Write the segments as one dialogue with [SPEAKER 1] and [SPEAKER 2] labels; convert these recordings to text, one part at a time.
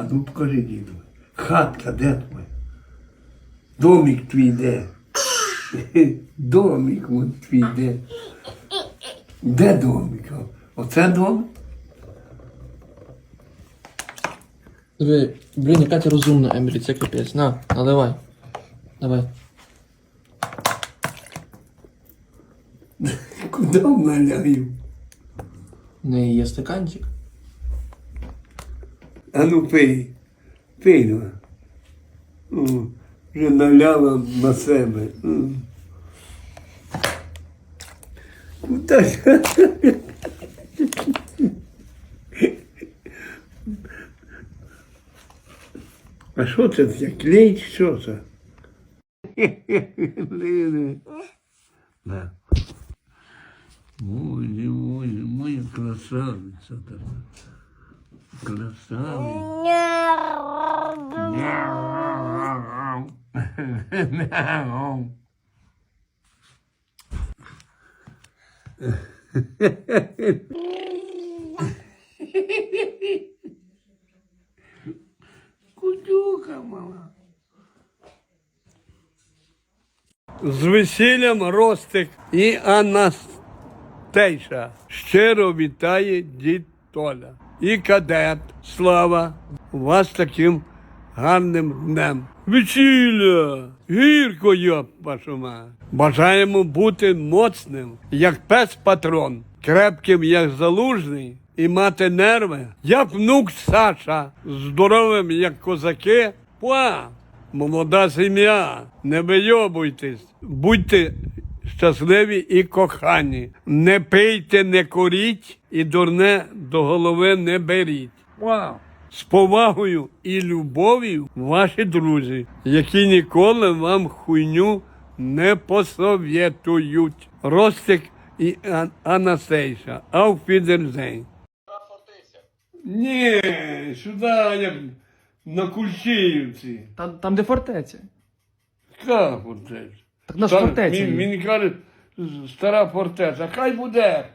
[SPEAKER 1] ну покажи, діду. Хатка де твоя? Домик твій де? Домик вон твій де? Де домик? Оце домик?
[SPEAKER 2] Диви, блін, яка ти розумна, Емілі, це капець. На, наливай. Давай.
[SPEAKER 1] Куди наляю?
[SPEAKER 2] В неї є стаканчик.
[SPEAKER 1] А ну пий. Пий, ну. О, вже наляла на себе. Куди ж? А що це таке? Клей чи що це? Да. Моя красавиця така. Красавиця. Кутюка мала. З весіллям Ростик і Анастейша. Щиро вітає дід Толя. І кадет Слава вас таким гарним днем. Весілля! Гірко, йоп, вашу мать. Бажаємо бути моцним, як пес-патрон, крепким, як залужний, і мати нерви, як внук Саша, здоровим, як козаки. Молода сім'я, не вийобуйтесь, будьте щасливі і кохані. Не пийте, не куріть і дурне до голови не беріть. З повагою і любов'ю ваші друзі, які ніколи вам хуйню не посовєтують. Ростик і Анастейша. Auf Wiedersehen. Ні, сюди, як на Кульчиївці.
[SPEAKER 2] Там де фортеця.
[SPEAKER 1] Яка фортеця?
[SPEAKER 2] Так наш фортеця.
[SPEAKER 1] Він каже, стара фортеця. Хай буде.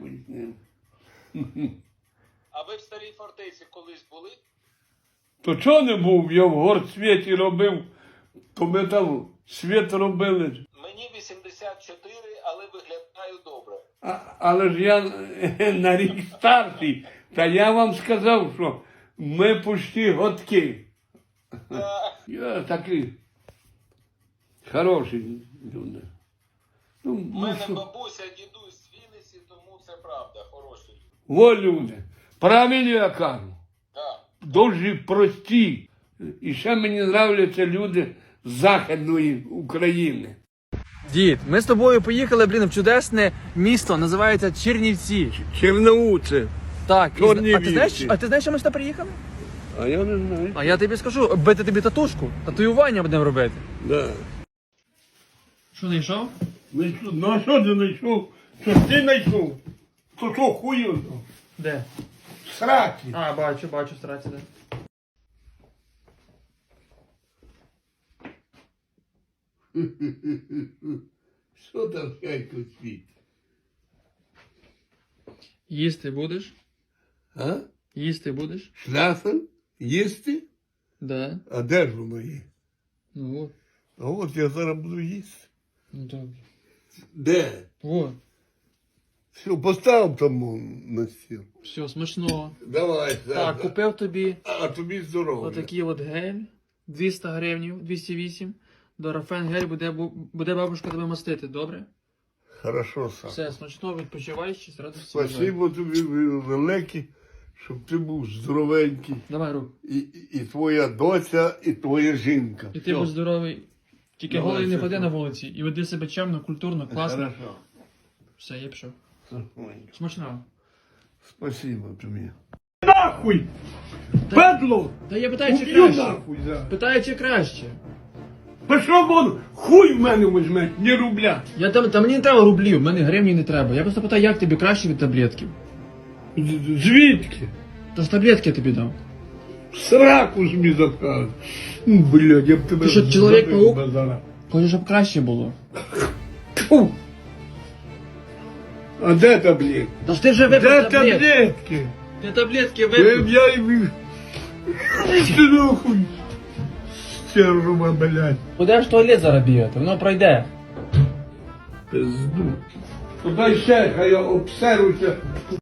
[SPEAKER 3] А ви в старій фортеці колись були?
[SPEAKER 1] То чого не був? Я в горсвіті робив, то ми там світ робили.
[SPEAKER 3] Мені 84, але виглядаю добре.
[SPEAKER 1] Але ж я на рік старший. Та я вам сказав, що ми почти годки. Я такий хороший люди.
[SPEAKER 3] У мене бабуся, дідусь з Вінниці, тому це правда, хороші люди.
[SPEAKER 1] Во люди. Правильно я кажу.
[SPEAKER 3] Так.
[SPEAKER 1] Дуже прості. І ще мені нравляться люди з Західної України.
[SPEAKER 2] Дід, ми з тобою поїхали, блін, в чудесне місто, називається Чернівці.
[SPEAKER 1] Черноуце.
[SPEAKER 2] Так,
[SPEAKER 1] Чорні
[SPEAKER 2] а ти знаєш,
[SPEAKER 1] вівці.
[SPEAKER 2] що ми сюди приїхали?
[SPEAKER 1] А я не знаю.
[SPEAKER 2] А я тобі скажу, бити тобі татушку, татуювання будемо робити.
[SPEAKER 1] Да.
[SPEAKER 2] Що, знайшов?
[SPEAKER 1] Ну а що ти знайшов? Що ж ти знайшов? То що хую?
[SPEAKER 2] Де?
[SPEAKER 1] В сраці.
[SPEAKER 2] А, бачу, страці, де.
[SPEAKER 1] Що там хайко світ?
[SPEAKER 2] Їсти будеш?
[SPEAKER 1] А?
[SPEAKER 2] Їсти будеш?
[SPEAKER 1] Шляфен? Їсти?
[SPEAKER 2] Да.
[SPEAKER 1] А де ж воно є?
[SPEAKER 2] Ну от.
[SPEAKER 1] А от я зараз буду їсти.
[SPEAKER 2] Ну добре.
[SPEAKER 1] Де?
[SPEAKER 2] От.
[SPEAKER 1] Все, постав там на стіл.
[SPEAKER 2] Все, смачного.
[SPEAKER 1] Давай,
[SPEAKER 2] Так, купив тобі
[SPEAKER 1] А тобі здоров'я.
[SPEAKER 2] отакий от гель. 200 гривень, 208. Дорафен гель буде бабушка тебе мастити, добре?
[SPEAKER 1] Хорошо, сам.
[SPEAKER 2] Все, смачного, відпочивай, ще радості.
[SPEAKER 1] Спасибо тобі велике, щоб ти був здоровенький.
[SPEAKER 2] Давай, рук.
[SPEAKER 1] І твоя доця, і твоя жінка.
[SPEAKER 2] І ти будь здоровий. Тільки
[SPEAKER 1] Давай,
[SPEAKER 2] голий не
[SPEAKER 1] все,
[SPEAKER 2] ходи
[SPEAKER 1] все.
[SPEAKER 2] на вулиці. І веди себе чемно, культурно, класно.
[SPEAKER 1] Хорошо.
[SPEAKER 2] Все, я пішов. Смачного.
[SPEAKER 1] Спасибо тобі. Нахуй! Педло!
[SPEAKER 2] Та я питаю, чи
[SPEAKER 1] Уб'ю
[SPEAKER 2] краще.
[SPEAKER 1] нахуй, да.
[SPEAKER 2] Питаю, чи краще.
[SPEAKER 1] Та що вон хуй в мене візьме, не рубля.
[SPEAKER 2] Та мені не треба рублів, в мене гривні не треба. Я просто питаю, як тобі краще від таблетків.
[SPEAKER 1] Звідки?
[SPEAKER 2] Та ж таблетки я тобі дав.
[SPEAKER 1] Сраку собі запхав. Блядь, я б тебе...
[SPEAKER 2] Ти що, Чоловік-паук?
[SPEAKER 1] зараз.
[SPEAKER 2] Хочу, щоб краще було.
[SPEAKER 1] Фу! А де таблетки?
[SPEAKER 2] Та ж ти вже
[SPEAKER 1] Де
[SPEAKER 2] випив таблетки.
[SPEAKER 1] таблетки?
[SPEAKER 2] Ти таблетки
[SPEAKER 1] Я
[SPEAKER 2] випив.
[SPEAKER 1] їм Ти нахуй. Стерва, блядь.
[SPEAKER 2] Будеш в туалет зараз бігати, воно пройде.
[SPEAKER 1] Пизду. Дай ще, хай я обсеруся.